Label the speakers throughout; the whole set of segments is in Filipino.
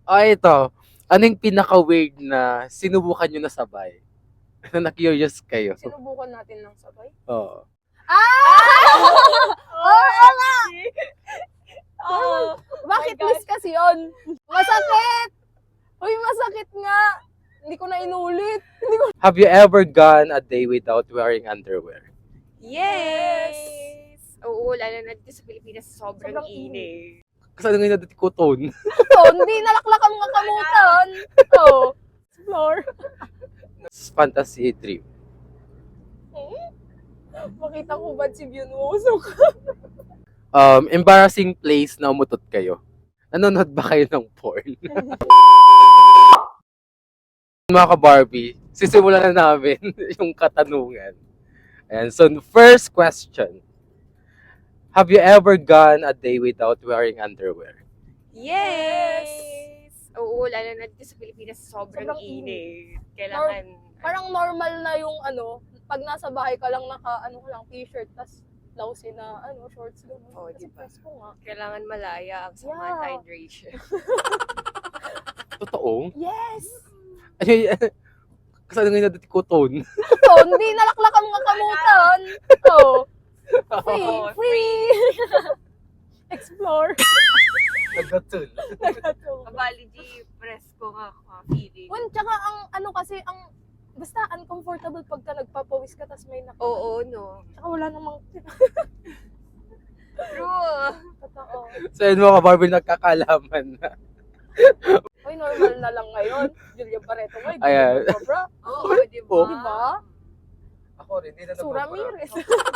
Speaker 1: Ito. Ano yung pinaka-weird na sinubukan nyo na sabay? Na-curious kayo.
Speaker 2: Sinubukan natin ng sabay.
Speaker 1: Oo.
Speaker 2: Oo nga!
Speaker 3: Oo.
Speaker 2: Bucket
Speaker 3: God.
Speaker 2: list kasi yun. Masakit! Uy, masakit nga! Hindi ko na inulit.
Speaker 1: Have you ever gone a day without wearing underwear?
Speaker 3: Yes! Oo, lalo na dito sa Pilipinas, sobrang
Speaker 2: Sobrang
Speaker 3: init.
Speaker 1: Kasi ano nga dati ko tone?
Speaker 2: Ito, hindi nalaklakan mga kamutan. Oh, floor.
Speaker 1: Fantasy dream.
Speaker 2: Makita ko ba si Byunwoo?
Speaker 1: Embarrassing place na umutot kayo. Nanonood ba kayo ng porn? Mga ka-Barbie, sisimulan na namin yung katanungan. Ayan, so first question. Have you ever gone a day without wearing underwear?
Speaker 3: Yes! Oo, lalo na dito sa Pilipinas, sobrang
Speaker 2: Sobrang
Speaker 3: init. Kailangan,
Speaker 2: Parang normal na yung pag nasa bahay ka lang ka lang t-shirt, tas blouse na shorts gano'n.
Speaker 3: Oo,
Speaker 2: Kasi
Speaker 3: diba?
Speaker 2: presko nga.
Speaker 3: kailangan malaya ang sama
Speaker 2: Yeah.
Speaker 3: hydration.
Speaker 1: Totoo?
Speaker 2: Yes!
Speaker 1: Ay, kasi ano nga dati ko tone?
Speaker 2: Ito, hindi nalaklakan mga kamutan. Oh, free!
Speaker 3: Oo,
Speaker 2: Free! Explore.
Speaker 1: Nagdatul.
Speaker 3: Kabali di presko nga feeling.
Speaker 2: Well, tsaka basta uncomfortable pagka nagpapawis ka tas may
Speaker 3: Oo, no.
Speaker 2: Tsaka wala namang
Speaker 3: True.
Speaker 2: totoo.
Speaker 1: So yun mga ka-Barbie, nagkakalaman na.
Speaker 2: Uy, normal na lang ngayon. Julia Barreto mo,
Speaker 1: Ayan.
Speaker 2: bra.
Speaker 3: Oo, di ba?
Speaker 1: Oh.
Speaker 2: Diba?
Speaker 1: Ako rin, hindi na
Speaker 2: Su Ramirez.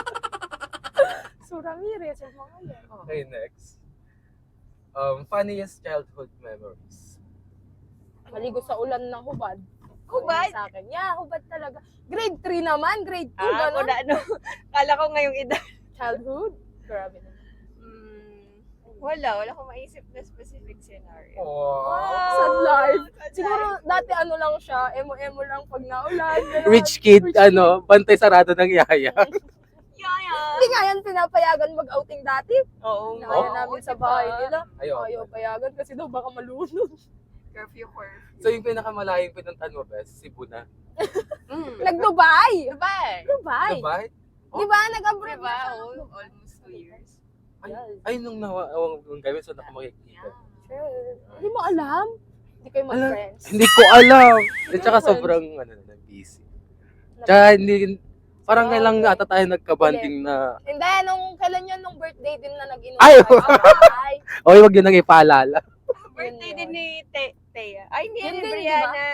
Speaker 2: Su Ramirez, yung mga yan.
Speaker 1: Okay, next. Funniest childhood memories.
Speaker 2: Maligo sa ulan ng hubad.
Speaker 3: Hubad?
Speaker 2: Sa akin. Yeah, hubad talaga. Grade 3 naman, grade 2,
Speaker 3: Ako
Speaker 2: gano'n.
Speaker 3: na ano. Kala ko ngayong edad.
Speaker 2: Childhood? Grabe naman.
Speaker 3: Wala akong maisip na specific scenario.
Speaker 1: Wow.
Speaker 2: Sad life.
Speaker 3: Sad
Speaker 2: Siguro
Speaker 3: life.
Speaker 2: dati lang siya, emo-emo lang pag naulan. gano'n.
Speaker 1: Rich kid, bantay sarado ng yaya.
Speaker 3: Yaya.
Speaker 2: Hindi nga yan pinapayagan mag-outing dati.
Speaker 3: Oo,
Speaker 2: Nakaya namin sa bahay nila.
Speaker 1: Ayaw.
Speaker 2: Ayaw payagan kasi daw baka malunod.
Speaker 3: Curfew.
Speaker 1: So yung pinakamalayong pinuntahan mo, Bes, Cebu na.
Speaker 2: Nag-Dubai!
Speaker 3: Dubai.
Speaker 2: Dubai!
Speaker 1: Dubai?
Speaker 2: Di ba? Nag-abroad
Speaker 3: Diba?
Speaker 2: na siya.
Speaker 3: Oo, almost 2 years.
Speaker 1: Ay, nung nawawang kami, so nakamakikita.
Speaker 2: Sure. Hindi mo alam? Hindi kayo
Speaker 1: Alam,
Speaker 2: mag-friends.
Speaker 1: Hindi ko alam. At saka sobrang, busy. Tsaka hindi, parang kailang ata tayo nagka-banding na,
Speaker 2: Hindi, kailan yun, nung birthday din na nag-inom
Speaker 1: Ay!
Speaker 2: tayo sa bahay.
Speaker 1: oy, wag yun nang ipaalala.
Speaker 3: Birthday
Speaker 2: Yun
Speaker 3: din ni Thea. Ay, hindi
Speaker 2: Yun
Speaker 3: ni
Speaker 2: din,
Speaker 3: Brianna.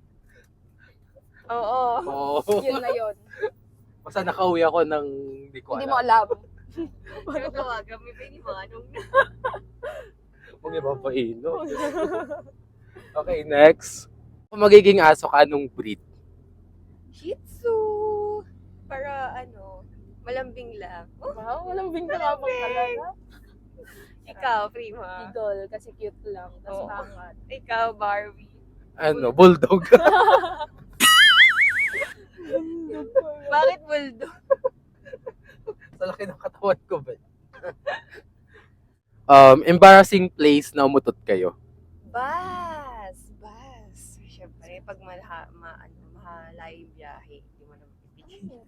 Speaker 3: Oo.
Speaker 1: Oo.
Speaker 2: Yun na yun.
Speaker 1: Basta nakauwi ako ng, hindi ko
Speaker 2: Hindi mo
Speaker 1: alam.
Speaker 2: alam.
Speaker 3: Pero tawagan mo ba ni Manong na?
Speaker 1: Huwag iba pa ino. Okay, next. Kung magiging aso ka, anong breed?
Speaker 3: Shih Tzu. Para malambing lang. Oh,
Speaker 2: Wow, walang bingka nga pang talaga.
Speaker 3: ikaw, Prima.
Speaker 2: Idol, kasi cute lang. Tapos
Speaker 3: Oo.
Speaker 2: angat.
Speaker 3: Ikaw, Barbie.
Speaker 1: Bulldog.
Speaker 3: Bakit bulldog?
Speaker 1: Sa laki ng katawan ko, ba? Embarrassing place na umutot kayo.
Speaker 3: Bus. Siyempre, pag malayo yung biyahe, hindi mo naman pipigil.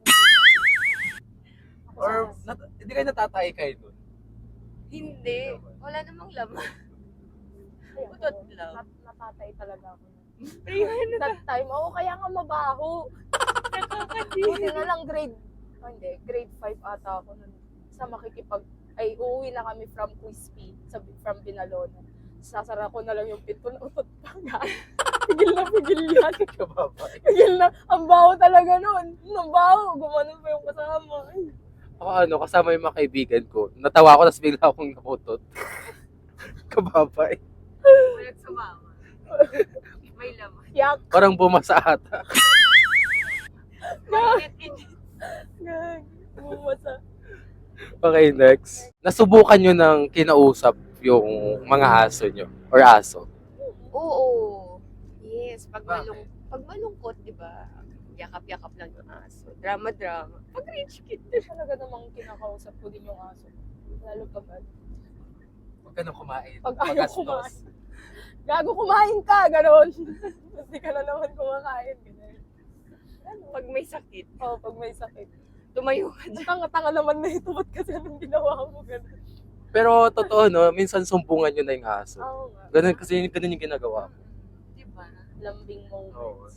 Speaker 1: Or, hindi kayo natatay kayo dun?
Speaker 3: Hindi. Wala namang laman. Utot lang.
Speaker 2: Natatay talaga ako.
Speaker 3: Prima na
Speaker 2: That time, kaya nga mabaho. Buti na lang grade 5 ata ako nun. Uuwi na kami from Quispi, from Binalona. Sasara ko na lang yung pinto na utot pa nga. Pigil yan.
Speaker 1: Kababay.
Speaker 2: Pigil na. Ang baho talaga nun. Ang baho. Gumanon pa yung kasama. Ay.
Speaker 1: Ako kasama yung mga kaibigan ko. Natawa ako, tapos bigla akong naputot. Kababay.
Speaker 3: Walang sumama. May laman.
Speaker 2: Yak.
Speaker 1: Parang bumasa ata.
Speaker 3: Mainit-init.
Speaker 2: Gag. Bumasa.
Speaker 1: Okay, next. Nasubukan nyo ng kinausap yung mga aso nyo? Or aso?
Speaker 3: Oo. Yes. Pag
Speaker 1: Bakit?
Speaker 3: malungkot, di ba? Yakap-yakap lang yung aso. Drama-drama. Pag rich kid.
Speaker 2: Talaga namang kinakausap ko din yung aso. Lalo pag
Speaker 1: Huwag ka nang kumain.
Speaker 2: Pag ayaw kumain. Gago, kumain ka, gano'n. Hindi ka na naman kumakain, gano'n.
Speaker 3: Pag may sakit,
Speaker 2: Oo, pag may sakit.
Speaker 3: tumayo ka dyan.
Speaker 2: Tanga-tanga naman na ito, ba't kasi anong ginawa mo, gano'n.
Speaker 1: Pero totoo, no? Minsan sumbungan yun na yung aso.
Speaker 2: Oo nga.
Speaker 1: Ganun kasi ganun yung ginagawa ko.
Speaker 3: Diba?
Speaker 2: Lambing moments.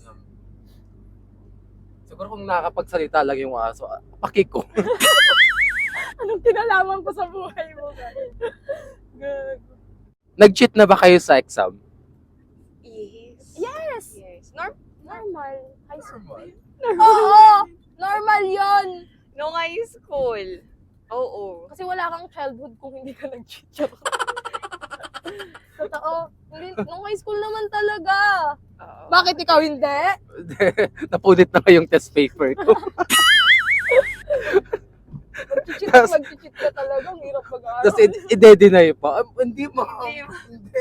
Speaker 1: Siguro kung nakakapagsalita lang yung aso, pakik ko.
Speaker 2: Anong kinalaman ko sa buhay mo, gano'n? Gago.
Speaker 1: Nag-cheat na ba kayo sa exam?
Speaker 3: Yes.
Speaker 2: Yes!
Speaker 3: Yes.
Speaker 2: Normal. High school. Oo! Normal yon.
Speaker 3: No high school. Oo.
Speaker 2: Kasi wala kang childhood kung hindi ka nag-cheat. Totoo. Hindi, nung high school naman talaga.
Speaker 3: Oo.
Speaker 2: Bakit ikaw hindi?
Speaker 1: Napunit na kayong test paper ko.
Speaker 2: Mag-cheat ka talaga. Ang hirap mag-aaral.
Speaker 1: Tapos i-deny pa. Hindi mo.
Speaker 3: Hindi.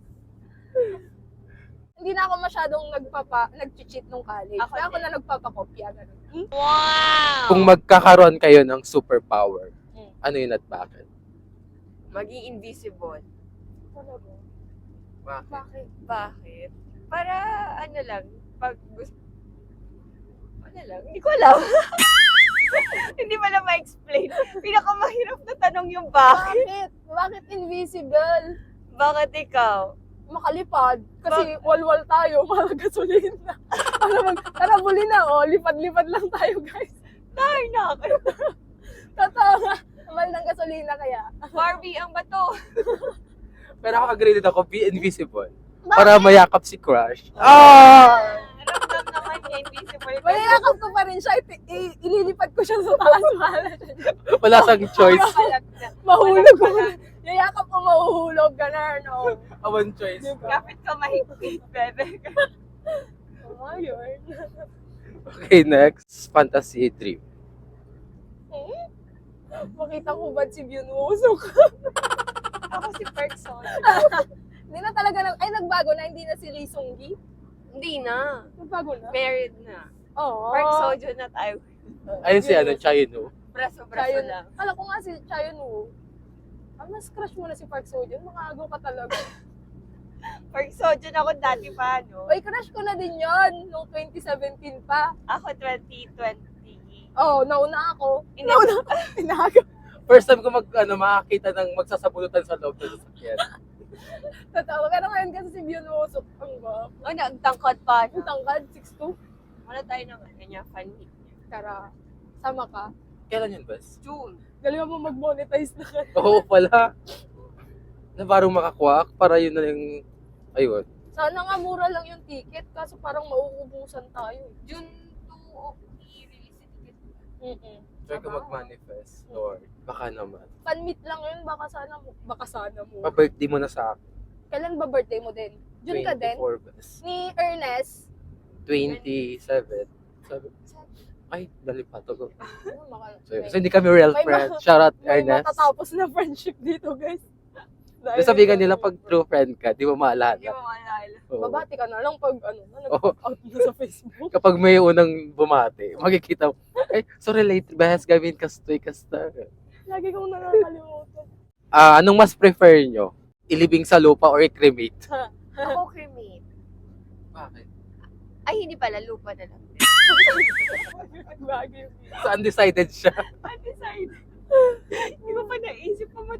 Speaker 2: Hindi na ako masyadong nag-cheat nung college.
Speaker 3: Ako
Speaker 2: Kaya ako
Speaker 3: din.
Speaker 2: na nagpapakopya. Ganun.
Speaker 3: Wow!
Speaker 1: Kung magkakaroon kayo ng superpower,
Speaker 2: Hmm.
Speaker 1: ano yun at bakit?
Speaker 3: Maging invisible.
Speaker 2: Talaga.
Speaker 1: Bakit?
Speaker 2: Bakit?
Speaker 3: Bakit? Para ano lang, pag gusto... Ano lang, hindi ko alam. Hindi pa na ma-explain. Pinakamahirap na tanong yung bakit.
Speaker 2: Bakit? Bakit invisible?
Speaker 3: Bakit ikaw?
Speaker 2: Makalipad. Kasi walwal tayo, mahal gasolina. Tara, buli na, oh. Lipad-lipad lang tayo, guys.
Speaker 3: Ay,
Speaker 2: Totoo nga. Mahal ng gasolina kaya.
Speaker 3: Barbie ang bato.
Speaker 1: Pero ako agree din ako, be invisible.
Speaker 2: Bakit?
Speaker 1: Para mayakap si crush. Ah!
Speaker 3: Ramdam naman niya, invisible.
Speaker 2: Mayayakap ko pa rin siya. Ililipad ko siya sa taas.
Speaker 1: Wala sang choice.
Speaker 2: Mahulog ko. Yayakap ko mahuhulog. Ganun, oh.
Speaker 1: One choice.
Speaker 3: Kapit ka mahigpit, bebe.
Speaker 2: Ayun.
Speaker 1: Okay, next. Fantasy dream.
Speaker 2: Makita ko ba si Byunwoo?
Speaker 3: Ako si Person.
Speaker 2: Hindi na talaga, nagbago na. Hindi na si Lee Sung-gi.
Speaker 3: Hindi na.
Speaker 2: Nagbago na?
Speaker 3: Married na.
Speaker 2: Oo.
Speaker 3: Park Sojo na tayo.
Speaker 1: Ayun si ano, Chayno.
Speaker 3: Braso-braso
Speaker 2: Chayon.
Speaker 3: lang.
Speaker 2: Kala ko nga si Chayon Woo. Mas crush mo na si Park Seo-joon. Makagaw ka talaga.
Speaker 3: Park Sojo na ako dati pa, no?
Speaker 2: Oy, crush ko na din yon nung 2017 pa.
Speaker 3: Ako 2020.
Speaker 2: Oh, nauna ako.
Speaker 3: Hindi.
Speaker 2: Nauna ako. Inaagaw.
Speaker 1: First time ko makakita ng magsasabunutan sa loob ng sasakyan.
Speaker 2: Totoo. Pero ngayon kasi si Byunwoo, ang gwapo.
Speaker 3: Oh, nagtangkad pa.
Speaker 2: Ang tangkad, 6'2".
Speaker 3: Wala tayo ng ano niya, fan meet niya.
Speaker 2: Tara, sama ka.
Speaker 1: Kailan yun, Bes?
Speaker 3: June.
Speaker 2: Galing mo mag-monetize na ka.
Speaker 1: Oo pala. Na parang makakwak para yun na yung... Ayun.
Speaker 2: Sana nga mura lang yung ticket, kaso parang mauubusan tayo.
Speaker 3: June 2, i-release yung ticket.
Speaker 1: Try ko mag-manifest. Lord, baka naman.
Speaker 2: Fan meet lang yun, baka sana mo.
Speaker 1: Pa-birthday mo na sa akin.
Speaker 2: Kailan ba birthday mo din? June ka din?
Speaker 1: 24, Bes.
Speaker 2: Ni Ernest?
Speaker 1: 27. Ay, dali pa to. So, hindi kami real
Speaker 2: May
Speaker 1: friends. Shout out,
Speaker 2: May
Speaker 1: Ernest.
Speaker 2: matatapos na friendship dito, guys.
Speaker 1: Yung sabihin nila, pag true friend ka, di mo
Speaker 3: Hindi
Speaker 1: maalala.
Speaker 3: mo maalala.
Speaker 1: Oo.
Speaker 2: Babati ka na lang pag
Speaker 1: Oo.
Speaker 2: nag-out na sa Facebook.
Speaker 1: Kapag may unang bumati, makikita mo, ay, so relate, Bes, gawin kastoy, kasta.
Speaker 2: Lagi kong nakakalimutan.
Speaker 1: Anong mas prefer nyo? Ilibing sa lupa or i-cremate?
Speaker 3: Ako cremate.
Speaker 1: Bakit?
Speaker 3: Ay, hindi pala. Lupa na lang.
Speaker 2: Bagay.
Speaker 1: So, undecided siya.
Speaker 3: Undecided. Hindi ko pa naisip pa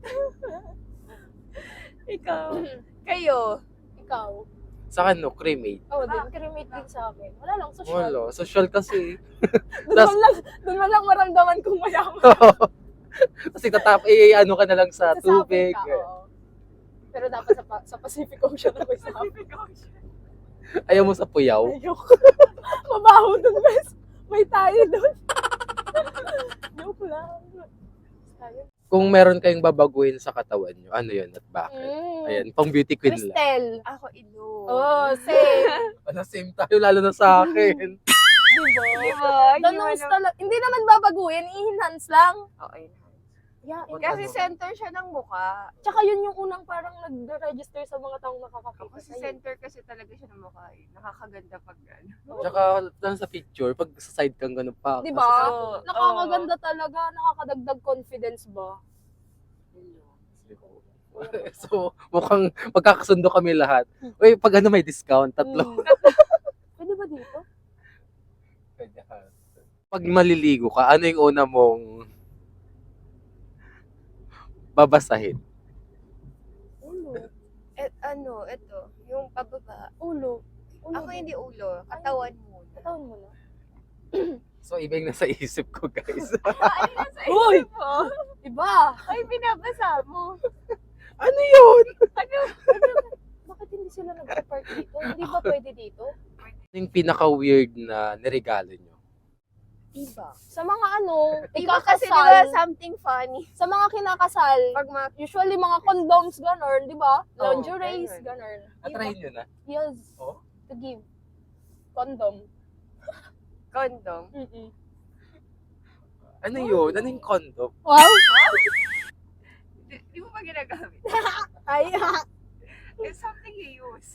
Speaker 3: Ikaw. Kayo.
Speaker 2: Ikaw.
Speaker 1: Sa akin, no, cremate.
Speaker 2: Oh, din. Cremate din sa akin. Wala lang, social.
Speaker 1: Wala, social kasi.
Speaker 2: Doon man lang maramdaman kung mayaman.
Speaker 1: Kasi ano ka na lang sa tubig.
Speaker 2: Ka, oo. Pero dapat sa Pacific Ocean ako isapin.
Speaker 1: Ayaw mo sa puyaw.
Speaker 2: Ayoko. Mabaho doon, bes. May tayo doon. Joke lang. Tayo.
Speaker 1: Kung meron kayong babaguhin sa katawan nyo, ano yun at bakit? Ayan, pang beauty queen lang.
Speaker 2: Cristel.
Speaker 3: Ako ilo.
Speaker 2: Oh, same.
Speaker 1: Ano, same tayo, lalo na sa akin.
Speaker 2: Diba?
Speaker 3: Diba?
Speaker 2: The nose talaga. Hindi naman babaguhin, i-enhance lang.
Speaker 3: Okay.
Speaker 2: Yeah,
Speaker 3: Kasi
Speaker 1: Ano?
Speaker 3: center siya ng mukha.
Speaker 2: Tsaka yun yung unang parang nag-register sa mga taong nakakakita
Speaker 3: Kasi
Speaker 2: sa'yo.
Speaker 3: center kasi talaga siya ng mukha. Nakakaganda pag ano.
Speaker 1: Tsaka, lang sa picture, pag sa side kang ganun pa.
Speaker 2: Diba?
Speaker 3: Oo.
Speaker 2: Nakakaganda talaga, nakakadagdag confidence ba?
Speaker 1: So, mukhang magkakasundo kami lahat. Uy, pag ano may discount, tatlo.
Speaker 2: Pwede ba dito?
Speaker 1: Pag maliligo ka, ano yung una mong babasahin?
Speaker 2: Ulo.
Speaker 3: Ito, yung pababa.
Speaker 2: Ulo.
Speaker 3: Ako hindi ulo, katawan mo.
Speaker 2: Katawan mo na.
Speaker 1: So, iba yung nasa isip ko, guys.
Speaker 3: Ano na sa
Speaker 2: Uy!
Speaker 3: isip mo?
Speaker 2: Iba!
Speaker 3: Ay, binabasa mo.
Speaker 1: Ano yun?
Speaker 2: Bakit hindi sila nag-park dito? Hindi ba pwede dito?
Speaker 1: Ano yung pinaka-weird na niregalo nyo?
Speaker 3: Iba.
Speaker 2: Sa mga ano,
Speaker 3: Iba kasi diba
Speaker 2: ikakasal,
Speaker 3: something funny.
Speaker 2: sa mga kinakasal,
Speaker 3: Pag
Speaker 2: usually mga condoms, gano'n, di ba?
Speaker 3: Oo,
Speaker 2: Lingeries,
Speaker 3: ganun.
Speaker 2: gano'n.
Speaker 1: Natrahin nyo na?
Speaker 2: Yes,
Speaker 1: Oh?
Speaker 2: to give. Condom.
Speaker 3: condom.
Speaker 2: Mm-mm.
Speaker 1: Ano yun? Ano yung condom?
Speaker 2: Wow!
Speaker 3: Di mo ba ginagamit?
Speaker 2: Ay,
Speaker 3: It's something you use.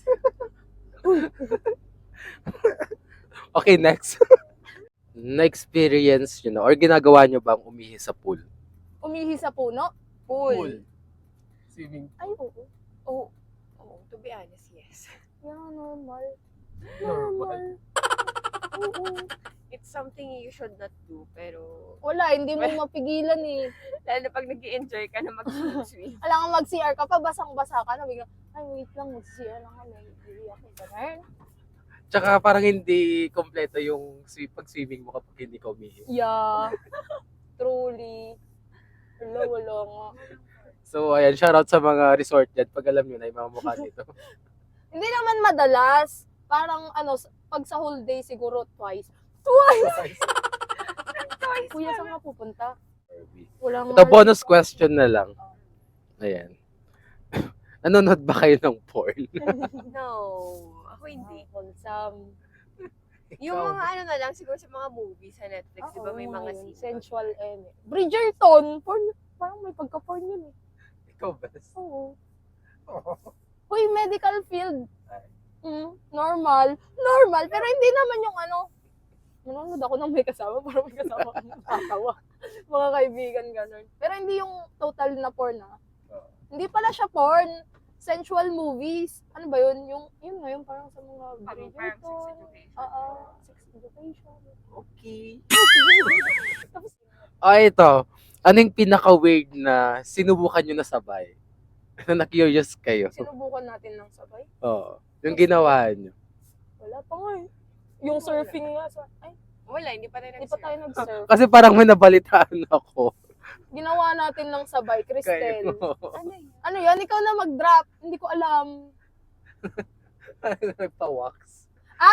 Speaker 1: Okay, next. Na-experience nyo na or ginagawa nyo bang umihi sa pool?
Speaker 2: umihi sa puno?
Speaker 1: Swimming.
Speaker 2: Ay, oo.
Speaker 3: Oh, to be honest, yes.
Speaker 2: Yeah, normal.
Speaker 1: Normal.
Speaker 2: Oo.
Speaker 3: It's something you should not do, pero
Speaker 2: Wala, hindi mo mapigilan eh.
Speaker 3: lalo na pag nag-i-enjoy ka na mag-swim.
Speaker 2: Alam nga mag-CR ka pa, basang-basa ka na, bigla, ay wait lang, mag-CR lang kami. Iiyak ka ganun.
Speaker 1: Tsaka parang hindi kompleto yung pag-swimming mo kapag hindi ka umihi.
Speaker 2: Yeah. Truly. Wala nga.
Speaker 1: So, ayan, shoutout sa mga resort dyan pag alam nyo na yung mga mukha dito.
Speaker 2: Hindi naman madalas. Parang ano, pag sa whole day siguro twice. Twice! Kuya, saan ka pupunta? Wala nga.
Speaker 1: Ito, bonus question na lang. Ayan. Nanonood ba kayo ng porn?
Speaker 3: No, ako hindi.
Speaker 2: Wholesome.
Speaker 3: Yung mga ano na lang, siguro sa mga movies sa Netflix, di ba may mga
Speaker 2: yun,
Speaker 3: scenes?
Speaker 2: sensual Bridgerton! Porn, parang may pagka-porn yun eh.
Speaker 1: Ikaw, best.
Speaker 2: Oo. Uy, medical field. Normal. Normal. Pero hindi naman yung ano, nanonood ako ng may kasama para may kasama akong natatawa. Mga kaibigan, ganun. Pero hindi yung total na porn ah. Hindi pala siya porn. Sensual movies. Ano ba yun? Yun nga, yung parang sa mga
Speaker 3: Parang
Speaker 2: Bridgerton.
Speaker 3: sex education.
Speaker 2: Oo. Sex education.
Speaker 1: Okay.
Speaker 2: Tapos,
Speaker 1: Ito. Ano yung pinaka-weird na sinubukan nyo na sabay? Na-curious kayo?
Speaker 2: sinubukan natin ng sabay.
Speaker 1: Oo. Yung ginawa nyo.
Speaker 2: Wala pa nga eh. Yung surfing nga sa... Ay,
Speaker 3: Wala, hindi pa rin
Speaker 2: hindi pa tayo nag-surf.
Speaker 1: Kasi parang may nabalitaan ako.
Speaker 2: Ginawa natin ng sabay, Cristel.
Speaker 1: Kayo.
Speaker 3: Ano yun?
Speaker 2: Ano yan? Ikaw na mag-drop. Hindi ko alam.
Speaker 1: Nagpa-wax.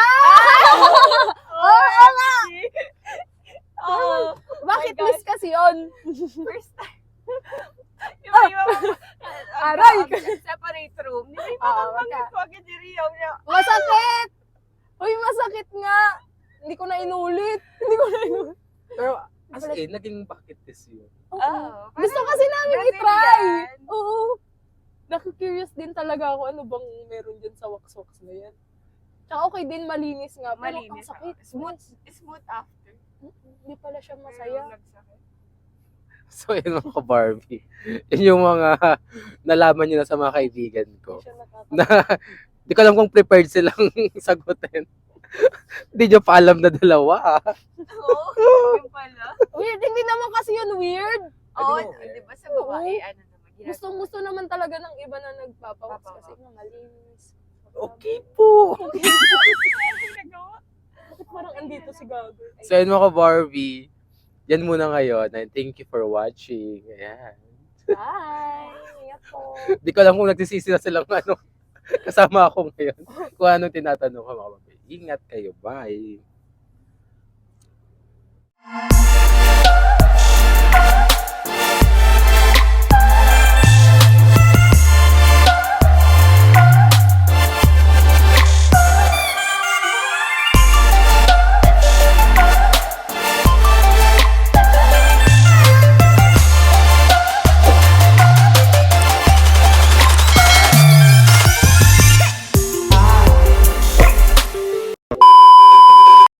Speaker 2: Oo nga!
Speaker 3: Oh,
Speaker 2: Bakit
Speaker 3: my God.
Speaker 2: miss kasi yun?
Speaker 3: first time. Yung may mga
Speaker 2: Aray!
Speaker 3: separate room. Di ba yung
Speaker 2: Oo,
Speaker 3: mga
Speaker 2: wag ka.
Speaker 3: pagkakit ni Rio na,
Speaker 2: Masakit! Uy, masakit nga! Hindi ko na inulit. Hindi ko na inulit.
Speaker 1: Pero as in, naging bucket list yun.
Speaker 2: Oo.
Speaker 3: oh,
Speaker 2: Gusto kasi namin
Speaker 3: Brazilian.
Speaker 2: i-try. Oo. Naku-curious din talaga ako ano bang meron dyan sa wax-wax na yan. Tsaka okay din, malinis nga. Pero
Speaker 3: Malinis.
Speaker 2: ang sakit.
Speaker 3: Smooth after.
Speaker 2: Hindi pala siya
Speaker 3: Pero
Speaker 2: masaya.
Speaker 3: nagsakit.
Speaker 1: So, yun mga Barbie. Yun yung mga nalaman nyo na sa mga kaibigan ko.
Speaker 2: Hindi siya nakaka-
Speaker 1: Na, di ko alam kung prepared silang sagutin. Hindi nyo pa alam na dalawa.
Speaker 3: Oo, yung pala.
Speaker 2: Weird. Hindi naman kasi yun weird.
Speaker 3: Oo,
Speaker 1: Ano?
Speaker 3: di ba sa babae, ano naman, ginagawa.
Speaker 2: Gusto naman talaga ng iba na nagpapawax
Speaker 3: Papawax.
Speaker 2: kasi nga malinis.
Speaker 1: Okay po.
Speaker 3: Ginagawa.
Speaker 2: Bakit parang andito si Gago?
Speaker 1: So, yun mga Barbie. Yan muna ngayon. And thank you for watching. Ayan.
Speaker 2: Bye! Ingat po.
Speaker 1: Di ko alam kung nagsisisi na silang ano, kasama ako ngayon. Kung anong tinatanong ko mga Barbie. Ingat kayo. Bye.